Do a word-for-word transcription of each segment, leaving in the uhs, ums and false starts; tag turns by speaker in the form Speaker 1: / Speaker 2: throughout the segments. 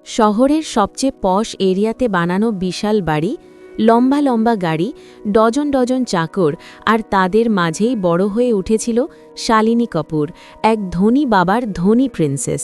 Speaker 1: শহরের সবচেয়ে পশ এরিয়াতে বানানো বিশাল বাড়ি, লম্বা লম্বা গাড়ি, ডজন ডজন চাকর, আর তাদের মাঝেই বড় হয়ে উঠেছিল শালিনী কাপুর, এক ধনী বাবার ধনী প্রিন্সেস।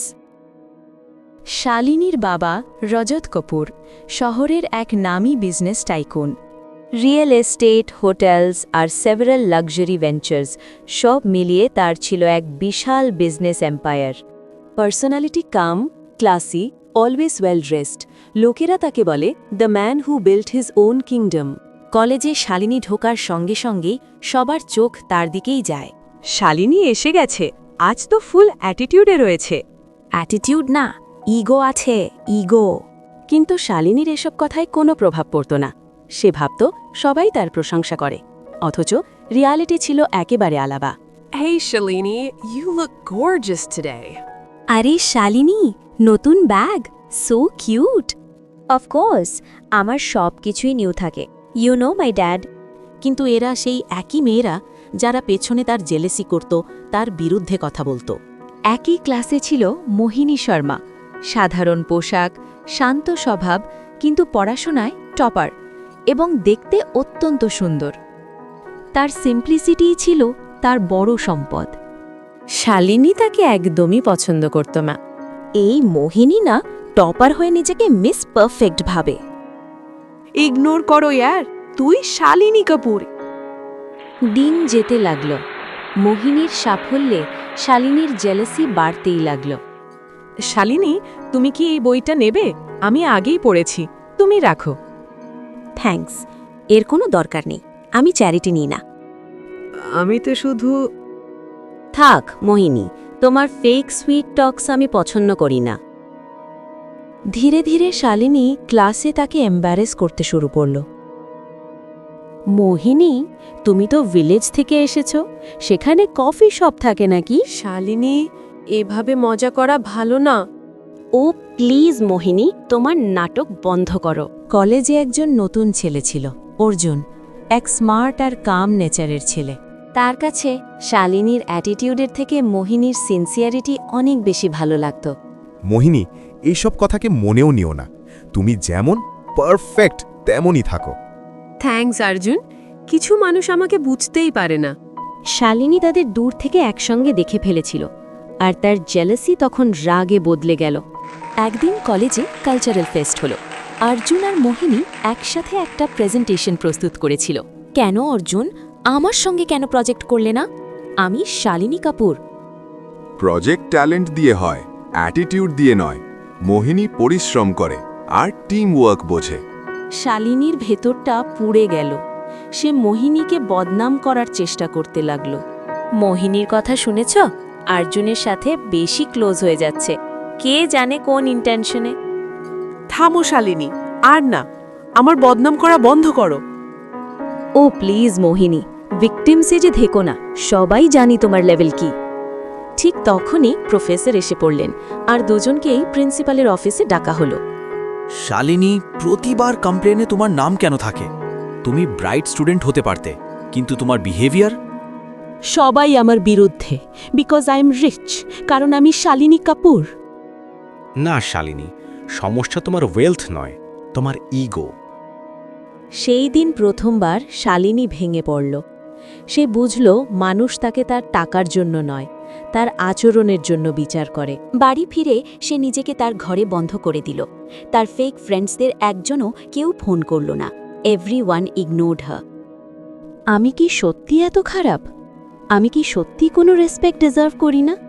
Speaker 1: শালিনীর বাবা রজত কাপুর শহরের এক নামী business tycoon. Real estate, hotels আর সেভারাল লাক্সারি ভেঞ্চার্স সব মিলিয়ে তার ছিল এক বিশাল business empire. Personality calm, classy, always well dressed, লোকেরা তাকে বলে the man who built his own kingdom. কলেজে শালিনী ঢোকার সঙ্গে সঙ্গেই সবার চোখ তার দিকেই যায়।
Speaker 2: শালিনী এসে গেছে, আজ তো ফুল অ্যাটিটিউডে রয়েছে।
Speaker 1: অ্যাটিটিউড না, ইগো আছে, ইগো। কিন্তু শালিনীর এসব কথায় কোনো প্রভাব পড়ত না। সে ভাবত সবাই তার প্রশংসা করে, অথচ রিয়ালিটি ছিল একেবারে আলাদা।
Speaker 2: Hey Shalini, you look gorgeous today.
Speaker 1: আরে শালিনী, নতুন ব্যাগ, সো কিউট। অফকোর্স, আমার সব কিছুই নিউ থাকে, ইউ নো মাই ড্যাড। কিন্তু এরা সেই একই মেয়েরা যারা পেছনে তার জেলেসি করত, তার বিরুদ্ধে কথা বলতো। একই ক্লাসে ছিল মোহিনী শর্মা, সাধারণ পোশাক, শান্ত স্বভাব, কিন্তু পড়াশোনায় টপার এবং দেখতে অত্যন্ত সুন্দর। তার সিম্পলিসিটিই ছিল তার বড় সম্পদ। শালিনী তাকে একদমই পছন্দ করত না। এই মোহিনী না টপার হয়ে নিজেকে মিস পারফেক্ট ভাবে।
Speaker 2: ইগনোর করো ইয়ার, তুই শালিনী কাপুর।
Speaker 1: দিন যেতে লাগল। মোহিনীর সাফল্যে শালিনীর জেলাসি বাড়তেই লাগল।
Speaker 2: শালিনী, তুমি কি এই বইটা নেবে? আমি আগেই পড়েছি, তুমি রাখো।
Speaker 1: থ্যাঙ্কস, এর কোনো দরকার নেই, আমি চ্যারিটি নিই না।
Speaker 2: আমি তো শুধু...
Speaker 1: থাক মোহিনী, তোমার ফেক সুইট টক্স আমি পছন্দ করি না। ধীরে ধীরে শালিনী ক্লাসে তাকে এম্বারেস করতে শুরু করল। মোহিনী, তুমি তো ভিলেজ থেকে এসেছো, সেখানে কফি শপ থাকে নাকি?
Speaker 2: শালিনী, এভাবে মজা করা ভালো না।
Speaker 1: ও প্লিজ মোহিনী, তোমার নাটক বন্ধ করো। কলেজে একজন নতুন ছেলে ছিল, অর্জুন, এক স্মার্ট আর কাম নেচারের ছেলে। তার কাছে শালিনীর অ্যাটিটিউডের থেকে মোহিনীর সিনসিয়ারিটি অনেক বেশি ভালো লাগত।
Speaker 3: মোহিনী, এইসব কথাকে মনেও নিও না, তুমি যেমন পারফেক্ট তেমনই থাকো।
Speaker 2: থ্যাঙ্কস অর্জুন, কিছু মানুষ আমাকে বুঝতেই পারে না।
Speaker 1: শালিনী তাদের দূর থেকে একসঙ্গে দেখে ফেলেছিল, আর তার জেলাসি তখন রাগে বদলে গেল। একদিন কলেজে কালচারাল ফেস্ট হলো। অর্জুন আর মোহিনী একসাথে একটা প্রেজেন্টেশন প্রস্তুত করেছিল। কেন অর্জুন, আমার সঙ্গে কেন প্রজেক্ট করলে না? আমি শালিনী কাপুর।
Speaker 4: প্রজেক্ট ট্যালেন্ট দিয়ে হয়, অ্যাটিটিউড দিয়ে নয়। মোহিনী পরিশ্রম করে আর টিম ওয়ার্ক বোঝে।
Speaker 1: শালিনীর ভেতরটা পুড়ে গেল। সে মোহিনীকে বদনাম করার চেষ্টা করতে লাগল। মোহিনীর কথা শুনেছ? অর্জুনের সাথে বেশি ক্লোজ হয়ে যাচ্ছে, কে জানে কোন ইন্টেনশনে।
Speaker 2: থামো শালিনী, আর না, আমার বদনাম করা বন্ধ করো।
Speaker 1: ও প্লিজ মোহিনী, ভিকটিমসে যে থেকো না, সবাই জানি তোমার লেভেল কি। ঠিক তখনই প্রফেসর এসে পড়লেন, আর দুজনকেই প্রিন্সিপালের অফিসে ডাকা হলো।
Speaker 5: শালিনী, প্রতিবার কমপ্লেনে তোমার নাম কেন থাকে? তুমি ব্রাইট স্টুডেন্ট হতে পারতে, কিন্তু তোমার বিহেভিয়ার।
Speaker 1: সবাই আমার বিরুদ্ধে, বিকজ আই এম রিচ, কারণ আমি শালিনী কাপুর।
Speaker 6: না শালিনী, সমস্যা তোমার ওয়েলথ নয়, তোমার ইগো।
Speaker 1: সেই দিন প্রথমবার শালিনী ভেঙে পড়ল। সে বুঝল মানুষ তাকে তার টাকার জন্য নয়, তার আচরণের জন্য বিচার করে। বাড়ি ফিরে সে নিজেকে তার ঘরে বন্ধ করে দিল। তার ফেক ফ্রেন্ডসদের একজনও কেউ ফোন করল না। Everyone ignored her. আমি কি সত্যি এত খারাপ? আমি কি সত্যি কোনো রেসপেক্ট ডিজার্ভ করি না?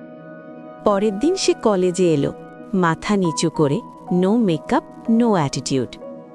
Speaker 1: পরের দিন সে কলেজে এলো, মাথা নিচু করে, no makeup, no attitude.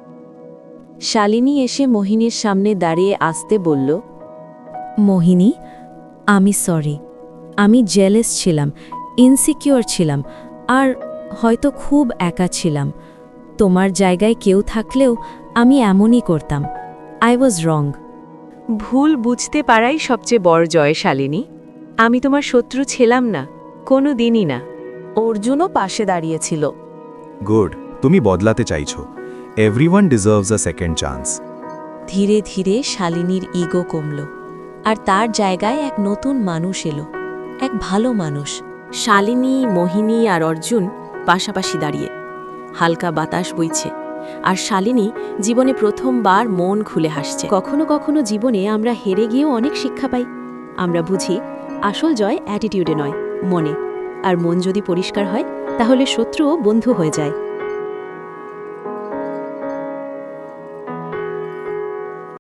Speaker 1: Shalini এসে মোহিনীর সামনে দাঁড়িয়ে আসতে বলল, মোহিনী, আমি সরি। আমি জেলাস ছিলাম, ইনসিকিউর ছিলাম, আর হয়তো খুব একা ছিলাম। তোমার জায়গায় কেউ থাকলেও আমি এমনই করতাম। I was wrong.
Speaker 2: ভুল বুঝতে পারাই সবচেয়ে বড় জয় শালিনী। আমি তোমার শত্রু ছিলাম না, কোনো দিনই না।
Speaker 1: অর্জুনও পাশে দাঁড়িয়েছিল।
Speaker 3: গুড, তুমি বদলাতে চাইছো। Everyone deserves a second chance.
Speaker 1: ধীরে ধীরে শালিনীর ইগো কমল, আর তার জায়গায় এক নতুন মানুষ এলো, এক ভালো মানুষ। শালিনী, মোহিনী আর অর্জুন পাশাপাশি দাঁড়িয়ে, হালকা বাতাস বইছে আর শালিনী জীবনে প্রথমবার মন খুলে হাসছে। কখনো কখনো জীবনে আমরা হেরে গিয়েও অনেক শিক্ষা পাই। আমরা বুঝি আসল জয় অ্যাটিটিউডে নয়, মনে। আর মন যদি পরিষ্কার হয় তাহলে শত্রুও বন্ধু হয়ে যায়।